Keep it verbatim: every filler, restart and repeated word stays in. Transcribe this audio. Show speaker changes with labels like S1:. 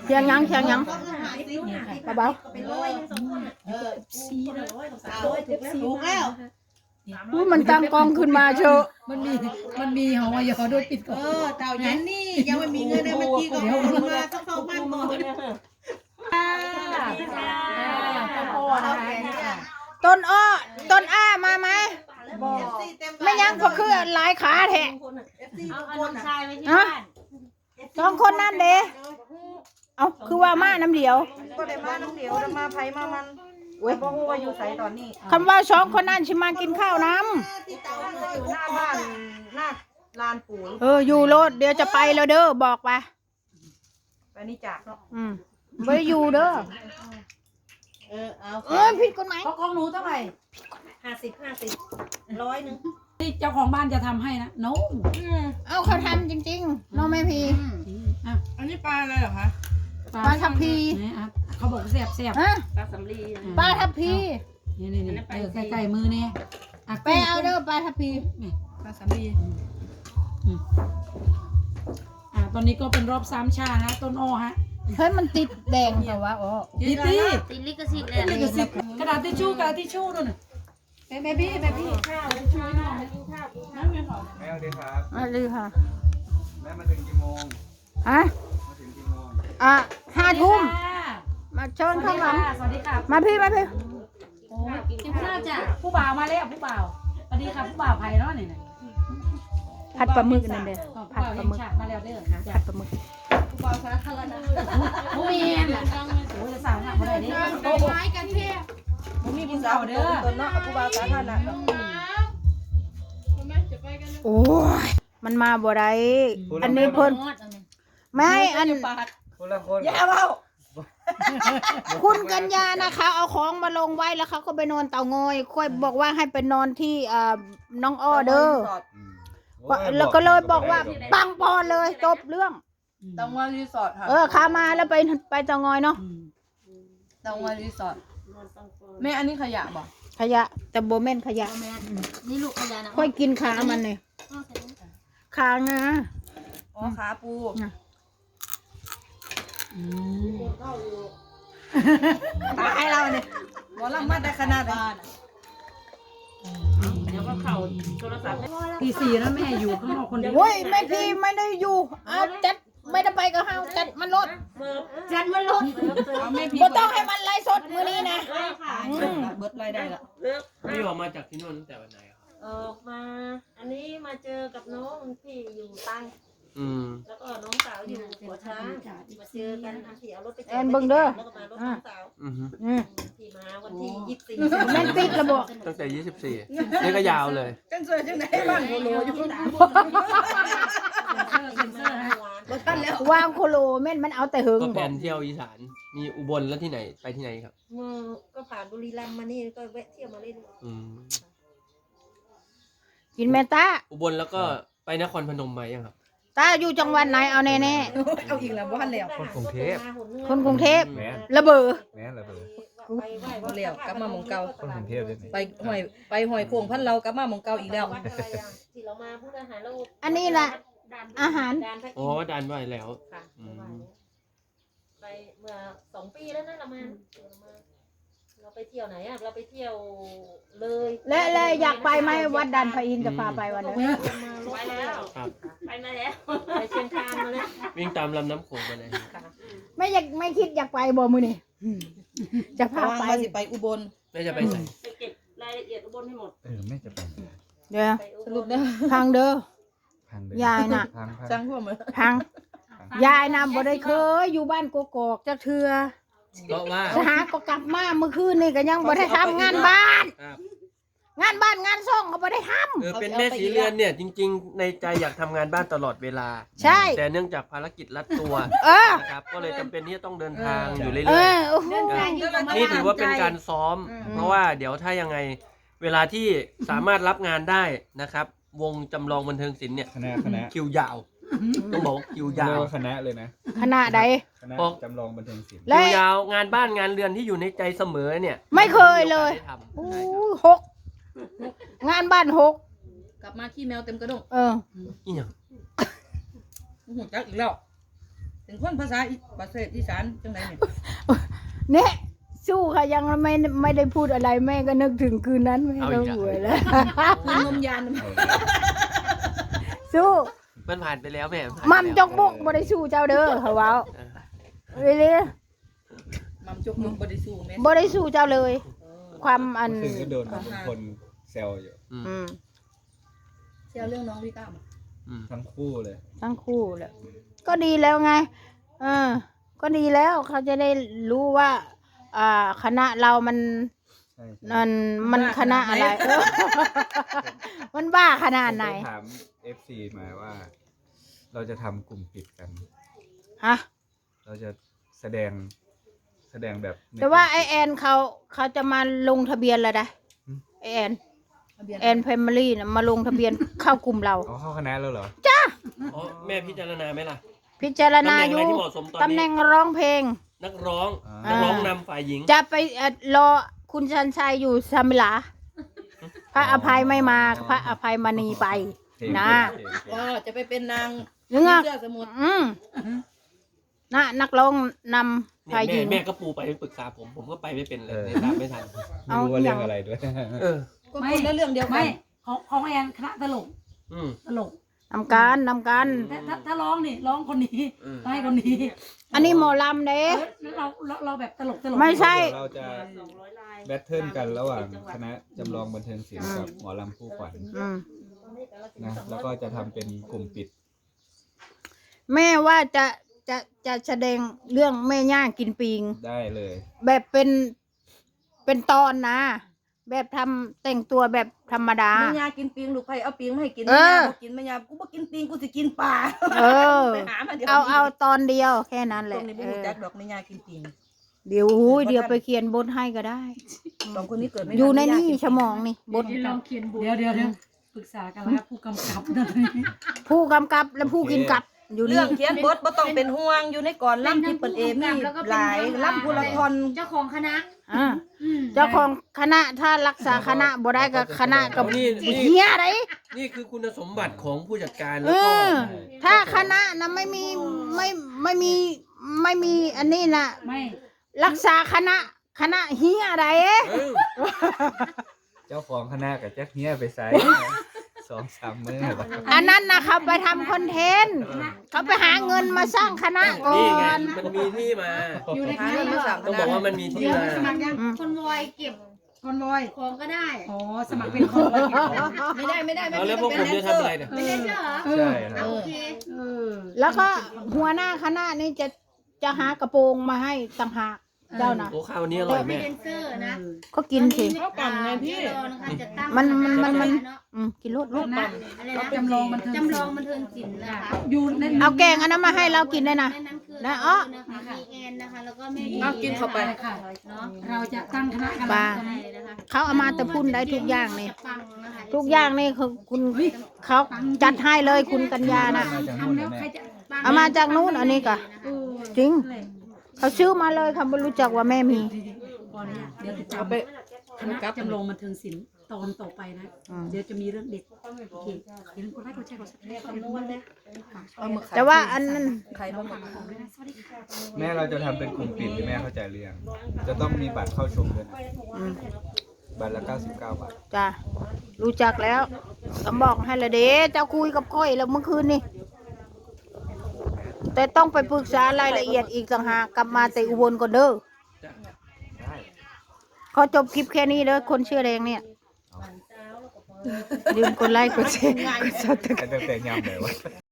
S1: เคียงยังเคียงยังเบา
S2: ถูกแล้ว
S1: ๆอู้มันตั้งกองขึ้นมาเชอะ
S3: มันมีมันมีหอยอด้วยปิดก่อ
S2: เอน อเต่าเย็นนี่ยังไม่มีเงินเลยมันจีก็เอามาต้องเข้าบ้านก่อน
S1: ต้นอ้อต้นอ้ามาไหมไม่ยังก็คือหลายขาแทะ
S4: เอาเอาน้องชายไว้ที่
S1: ฮะ
S4: บ้าน
S1: สองคนนั่นเด้เอาคือว่ามาน้ำเดียว
S5: ก็ได้มาน้องเดียวมาไผมามัน
S1: เว้ย
S5: บ่ฮู้ว่าอยู่ไสตอนนี้
S1: คำว่าสองคนนั่นชิมากินข้าวน้
S5: อยู่หน้าบ้านหน้าลานปู่
S1: ำเอออยู่รถเดี๋ยวจะไปแล้วเด้อบอกไป
S5: ไปนี่จากเนาะ
S1: อืมไม่ได้อยู่เด้อ
S2: เออเอา
S1: เออผิดกฎหมาย
S3: เพราะของหนูเท่าไหร่
S2: ห้าสิบห้าสิบร้อยหนึ่ง
S3: ที่เจ้าของบ้านจะทำให้นะโน้
S1: เอาเขาทำจริงๆน้องแม่พี
S5: อันนี้ปลาอะไรเหรอคะ
S1: ปลาทับพี
S3: เขาบอกแซ่บแซ่บ
S1: ฮะ
S4: ปลาสำลี
S1: ปลาทับพี
S3: นี่นี่นี่เออใกล้ๆมือเนี่ย
S1: ไปเอาเด้อปลาทับพี
S5: ปลาสำลี
S3: อ่าตอนนี้ก็เป็นรอบสามชานะต้นอ้อฮะ
S1: เฮ้ยมันติดแดงแต่ว่าอ๋อ
S3: ดิตี้
S4: ติลิกสิทธิ์เลย
S3: นี่ก็สิบกระดาษทิชชู่กระดาษทิชชู่นู่นน่ะแม่พี่แม่พี่ข้าวทิชชู่หน่อยนั่นเป็นของ
S6: แม่สวัสดีครับ
S1: มาเลยค่ะ
S6: แม่มาถึงกี่โมง
S1: ฮะ
S6: มาถึงกี่โมง
S1: อ่ะห้าทุ่มมาเชิญข้างหลัง
S3: สวัสดีค่ะ
S1: มาพี่มาพี่
S3: โอ้ยกินข้าวจ้ะผู้บ่าวมาแล้วผู้บ่าวสวัสดีค่ะผู้บ่าวไผ่เนาะนี่นะ
S1: ผัดปลาหมึกนั่นเด้อ
S3: ผู้
S1: ผัด
S3: บ่าว
S1: ปลา
S3: ยัง
S1: หมึก
S3: ฉากมาแล้วเด้อ
S1: ผัดปลาหมึก
S3: โอ้ยโอ้ยสาวหนักมาได้เด้อโอ้ยบ่มีผู้สาวเด้อ
S5: ต้นเนาะเอาผู้บ่าวสาธารณะเนาะ
S1: โอ้ยมันมาบ่ได้อันนี้เพิ่นไม่ให้อัน
S6: คนละคน
S5: อย่าเว้า
S1: คุณกัญญานะคะเอาของมาลงไว้แล้วเขาก็ไปนอนเตางอยค่อยบอกว่าให้ไปนอนที่อ่าน้องอ้อเด้อ
S6: อืมโอ้ย
S1: แล้วก็เลยบอกว่าปังปอนเลยจบเรื่อง
S5: ตองว่ารีสอร์ทค่ะ
S1: เออขามาแล้วไปไปเตางอยเนาะ
S5: ตองว่ารีสอร์ทแม่อันนี้ขยะบ่
S1: ขยะแต่โบแม่นขยะ
S4: นี่ลูกขยะนะ
S1: ค่อยกินขามันเลยขางา
S5: อ๋อขาปู ตายเราเนี่ยหมอลำมาได้ขนาดไหน
S4: เดี๋ยวก็เข่าโทรศัพท์
S3: ปีสี่แล้วแม่อยู่ข้างนอกคนเดียว
S1: โว้ยแม่พี่ไม่ได้อยู่เอาจัดไม่ได้ไปกับเฮาจัดมันรถ
S4: จัดมันลด
S5: เอาแม่พี่
S1: บ่ต้องให้มันไล่สดมื้อนี้นะอืม
S5: เบิดรายได้ละ
S7: พี่ออกมาจากที่นู่นตั้งแต่วันไหนครับ
S4: ออกมา อันนี้มาเจอกับน้องที่อยู่ตัง
S7: อืม
S4: แล้วก็น้องสาวอยู่หัวช้างมาเจอกันที่เอารถไป
S1: แอนเบิ่งเด้อ
S4: แล้วก็มารถน้องสาว
S7: อือฮึ
S1: อืม
S4: ที่มาวันที่ยี่สิบสี่
S1: แม่นปิดระบบ
S7: ตั้งแต่ยี่สิบสี่นี่ก็ยาวเลย
S5: จังสวยจังไหนบ้านโคโลอยู่บ่ทันแล้ว
S1: วางโคโลแม่นมันเอาแต่หึง
S7: ก็
S1: บ
S7: แผ
S1: อก
S7: นเที่ยวอีสาน มีอุบลแล้วที่ไหน ไปที่ไหนครับ
S4: เมื่อก็ผ่านบุรีรัมย์มานี่ก็แวะเที่ยวมาเล่น
S7: อืม
S1: กินแม่ตา
S7: อุบลแล้วก็ไปนครพนมมายังครับ
S1: ตาอยู่จังหวัดไหนเอาแน่
S5: เอาอีกแล้วบ่ทันแล้ว
S6: คนกรุงเทพ
S1: ๆคนกรุงเทพ
S6: แม่
S1: ระเบิด
S6: แม่ระเบิด
S4: ไปไหว้วัด
S5: เลี้ยวกลับมาหม้องเก่า
S6: คนกรุงเทพเลยนี่
S5: ไปหอยไปหอยโข่งพันเรากลับมาหม้องเก่าอีกแล้ว
S4: วัดอะไรอ่ะที่เรามาพูดอาหารเรา
S1: อันนี้แหละอาหาร
S4: ดานพระอิ
S7: อ๋
S4: น
S7: อ
S4: ทร์
S7: ดันไว้แล้ว
S4: ค่ะ
S7: อืม
S4: ไปเมื่อสองปีแล้วนะเรามาเรามา เราไปเที่ยวไหนอ่ะเราไปเที่ยวเลย
S1: และและอยากไปไหมวัดดันพระอินทร์จะพาไปวันนั้น
S4: ไปแล้ว
S7: ครับ
S4: ไปมาแล้วไปเชียงคานมาแล้ว
S7: วิ่งตามลำน้ำโขงไปเลย
S1: ไม่อยากไม่คิดอยากไปบ่มือนี่จะพา
S5: ว่า
S1: ไป
S5: มาสิไปอุบล
S7: แม่จะไปใส่
S4: ไปเก็บรายละเอียดอุบลให้หมด
S6: เออแม่จะไป
S1: เดี๋ยว
S4: ไปอุบ
S5: สรุป
S4: ล
S5: เด้อ
S1: พังเด้อ
S6: พังเลย
S1: ยายน่ะ
S6: พังพัง
S5: จังพวกมือ
S1: พังยายน่ะบ่ได้เคยอยู่บ้านกกอกจักเทื่อ
S7: เพราะว่า
S1: สหาก็กลับมาเมื่อคืนนี่ก็ยังบ่ได้ทำงานบ้าน
S7: ครับ
S1: งานบ้านงานซ่องก็บ่ได้ทำ
S7: เออเป็นแม่สีเรือนเนี่ย จริง ๆ ในใจอยากทำงานบ้านตลอดเวลา
S1: ใช่
S7: แต่เนื่องจากภารกิจรัดตัว
S1: เออ
S7: นะครับ ก็เลยจำเป็นที่จะต้องเดินทางอยู่เรื่
S1: เอ
S7: อย
S1: อโอ้โห
S7: ๆ นี่ถือว่าเป็นการซ้อม เพราะว่าเดี๋ยวถ้ายังไงเวลาที่สามารถรับงานได้นะครับ วงจำลองบันเทิงศิลป์เนี่ย
S6: คณะคณะ
S7: คิวยาว ต้องบอกว่าคิวยา
S6: เรียก
S7: ว
S6: ว่าคณะเลยนะ
S1: ขนาดใด
S6: คณะ
S7: บอก
S6: จำลองบันเทิงศิลป์
S1: และ
S7: คิวยาวงานบ้านงานเรือนที่อยู่ในใจเสมอเนี่ย
S1: ไม่เคยเลย
S7: ได้ทำ
S1: อู้
S7: ใช่ครับ
S1: หกงานบ้านหก
S5: กลับมาขี้แมวเต็มกระดง
S1: เออ
S7: อีหยัง
S5: หูจักอีกแล้ว
S2: ถึงคนภาษาอีประเทศอีสานจังไดเนี่ย
S1: เนี่ยสู้ค่ะยังไม่ไม่ได้พูดอะไรแม่ก็นึกถึงคืนนั้นแม่ก็หวยแล้ว
S2: คือนมยาน
S1: สู้
S7: มันผ่านไปแล้วแม่ผ่านไป
S1: มัม
S7: แล้ว
S1: จกบุกบ่ได้สู้เจ้าเด้อเขาเว้าเรื่อย
S2: มัมจกมึงบ่ได้สู้แม่
S1: ๆบ่ได้สู้เจ้าเลย ความอัน
S6: ซึ่งก็โดนบางคนแซวอยู่
S7: อืม
S1: อืม
S2: เจ้าเรื่องน้องวิก้า
S7: อืม
S6: ทั้งคู่เลย
S1: ทั้งคู่แหละก็ดีแล้วไงเออก็ดีแล้วเขาจะได้รู้ว่า อ่า คณะเรามัน
S6: ใช่ใช่
S1: มันมันคณะอะไรเออ มันบ้าขนาดไหน
S6: ผมปถาม เอฟ ซี มาว่า เราจะทำกลุ่มปิดกัน
S1: ฮะ
S6: เราจะแสดงแสดงแบบใน
S1: แต่ว่า
S6: ลุ่ม
S1: ไอ
S6: ปิด
S1: แอนเขาเขาจะมาลงทะเบียนแล้วนะ
S6: อืม
S1: ไอแอน
S2: ทะเบียน
S1: แอนแฟมิลี่นะมาลงทะเบียนเข้ากลุ่มเรา
S6: เอาเข้าคณะแล้วเหรอ
S7: อ๋อแม่พิจารณาไหมล่ะ
S1: พิจารณา
S7: ตำแหน่ง
S1: อ
S7: อะไร
S1: ยู่
S7: ที่เหมาะสมตอน
S1: ตำแห
S7: นี้
S1: น่งร้องเพลง
S7: นักร้อง
S6: อ่า
S7: นักร้องนำฝ่ายหญิง
S1: จะไปเอ่อรอคุณชันชัยอยู่ซามิลา พระอภัยไม่มา พระอภัยมณีไป
S6: เพลง
S1: นะ
S6: เพลงเพลง
S2: ก็จะไปเป็นนาง
S1: นึกอ่ะ
S2: เสื้อสมุทร
S1: อืมนะนักร้องนำ
S7: เนี่ย
S1: ฝ่ายห
S7: แม่
S1: ญิง
S7: แม่ก็ปูไปปรึกษาผม ผมก็ไปไม่เป็นเลย
S6: เออ
S7: เนี่ยตามไม่ทัน
S6: ไม่รู้ว่าเรื่องอะไรด้วย
S7: เออ
S2: ก็คนละเรื่องเดียวกั
S3: ไม่
S2: น
S3: ของของแอนคณะตลก
S7: อืม
S3: ตลก
S1: นำการนำการ
S3: แต่ถ้าถ้าร้องนี่ร้องคนนี้
S7: อืม
S3: ให้คนนี้
S1: อันนี้หมอลำเด้
S3: เออแล้วเราเราเราแบบตลกตลก
S1: ไม่ใช่
S6: เดี๋ยวเราจะแบทเทิลกันระหว่างคณะจำลองบันเทิงศิลป์กับหมอลำคู่ขวัญ
S1: อืม
S6: นะแล้วก็จะทำเป็นกลุ่มปิด
S1: แม่ว่าจะจะจะแสดงเรื่องแม่ย่ากินปิง
S6: ได้เลย
S1: แบบเป็นเป็นตอนนะ แบบทำแต่งตัวแบบธรรมดา
S2: แม่ยากินปิงลูกไผ่เอาปิงมาให้กิน
S1: เอ
S2: แม่
S1: อ
S2: ยาบ่กินแม่ยากูบ่กินปิงกูสิกินปลา
S1: เออ
S2: ไปหามาเดี๋ยว
S1: เอาเอาตอนเดียวแค่นั้นแห
S2: ตร
S1: ละ
S2: งนี้บ่
S1: เอ
S2: รู้
S1: อ
S2: จักดอกแม่ยากินปิง
S1: เดี๋ยวหูยเดี๋ยวไปเขียนบทให้ก็ได้
S2: สองคนนี้เกิดไม่
S1: อยู่ใน
S2: ทั
S1: นี่
S2: แม่ย่ากิ
S1: สมองนี่บท
S3: เดี๋ยวเดี๋ยวเดี๋ยวปรึกษากันแล้วครับผู้กำกับนั่น
S1: ผู้กำกับและผู้กินกับอยู่
S2: เรื่
S1: นี่
S2: องเขียนบทบ่ต้องเป็นห่วงอยู่ในก่อนล่ำที่เปิดเอมีหลายล่ำผู้ละคร
S5: เจ้าของคณะ
S1: อ่าเจ้าของคณะถ้ารักษาคณะบ่ได้กับคณะกับ
S7: นี่นี่
S1: เฮียอะไร
S7: นี่คือคุณสมบัติของผู้จัดการ
S1: เอ
S7: แล้วก็
S1: อ ถ้าคณะนะไม่มีไม่ไม่มีไม่มีอันนี้นะ
S3: ไม่
S1: รักษาคณะคณะเฮียอะไรเอ๊ะ
S7: เออ
S6: เจ้าของคณะกับแจ็คเนี้ยไปใส่สองสามมื้อแบบ
S1: อันนั้นนะเขาไปทำคอนเทนต์เขาไปหาเงินมาสร้างคณะก่อ
S7: นี่ไง
S1: น
S7: มันมีที่มา
S3: อยู่ใน
S2: หา
S3: คณะ
S2: เงินมาสั่ง
S7: ต้องบอกว่ามันมีที่มา
S5: สมัครยัง
S1: อืม
S5: คนวอยเก็บ
S3: คอนวอย
S5: ของก็ได้
S3: อ๋อสมัครเป็นคนวอย
S2: ไม่ได้ไม่ได้ไม่
S7: เอา
S2: ได้
S7: แล้วพวกผมจะทำอะไรเนี่ย
S5: ไม่ได้เชื่อเหรอ
S6: ใช่ค
S5: เอา
S6: รับ
S5: โอเค
S3: เออ
S1: แล้วก็หัวหน้าคณะนี่จะจะหากระโปรงมาให้ต่างหากเจ้านะ
S7: โอ้ข้าววันนี้อร่อย
S5: ไม่
S7: แม่
S5: เดนเซอร์นะ
S1: ก็กินสิ
S5: เขาปั่นไงพี่นะคะจะตั้ง
S1: มันมันมัน
S5: ค
S1: มัน
S5: ณะเนาะ
S1: อืมกินรสรส
S3: นะ
S5: อะไรนะ
S3: จำลองบันเทิง
S5: จำลองบันเทิงศิลป์นะคะ
S3: อยู่ใน
S1: เอาแกงอันนั้นมาให้เรากินได้นะ
S5: ในนั้นคือ
S1: นะอ้อ
S5: นะคะมีแอนนะคะ แล้วก็แม่
S2: เอากินเข้าไป
S3: ค่ะ
S5: เนาะ
S3: เราจะตั้งคณะกัน
S1: ปลา
S5: ใช่นะคะ
S1: เขาเอามาแต่พุ่นได้ทุกอย่างนี่
S5: จะปังนะคะ
S1: ทุกอย่างนี่คือคุณเขาจัดให้เลยคุณกัญญานะ
S6: มาจากนู่น
S3: ทำแล้
S6: นะ
S3: ว
S6: แม่
S3: ใครจะ
S1: เอามาจากนู้นอันนี้ก็
S3: เออ
S1: จริง เขาซื้อมาเลยเขาไม่รู้จักว่าแม่มี
S3: ก่อนเนี่ยเดี๋ยวติดตาม
S2: เอาไป
S3: คณะจำลองบันเทิงศิลป์ตอนต่อไปนะ
S1: อืม
S3: เดี๋ยวจะมีเรื่องเด็ดโอเคอย่าลืมกดไลค์กดแชร์กดซับสไครต์คอมเมนต์ด้วยนะ
S2: เอามาขย
S1: แต่ว่าอันนั้น
S2: ใครบ้าง
S3: สวัสดีค่ะ
S6: แม่เราจะทำเป็นกลุ่มปิดที่แม่เข้าใจเรื่อง จะต้องมีบัตรเข้าชมด้วยนะ
S1: อืม
S6: บัตรละเก้าสิบเก้าบาท
S1: จ้ะรู้จักแล้วก็บอกให้ละเด้เจ้าคุยกับค่อยแล้วเมื่อคืนนี่แต่ต้องไปปรึกษารายละเอียดอีกต่างหากกลับมาแต่อุบลก่อนเด้อ
S6: ได้
S1: ขอจบคลิปแค่นี้เด้อคนเชื่อแดงเนี่ยลืมกดไลค์กดแชร์กดซับสไครต์
S6: แต่แต่ยำเลยวะ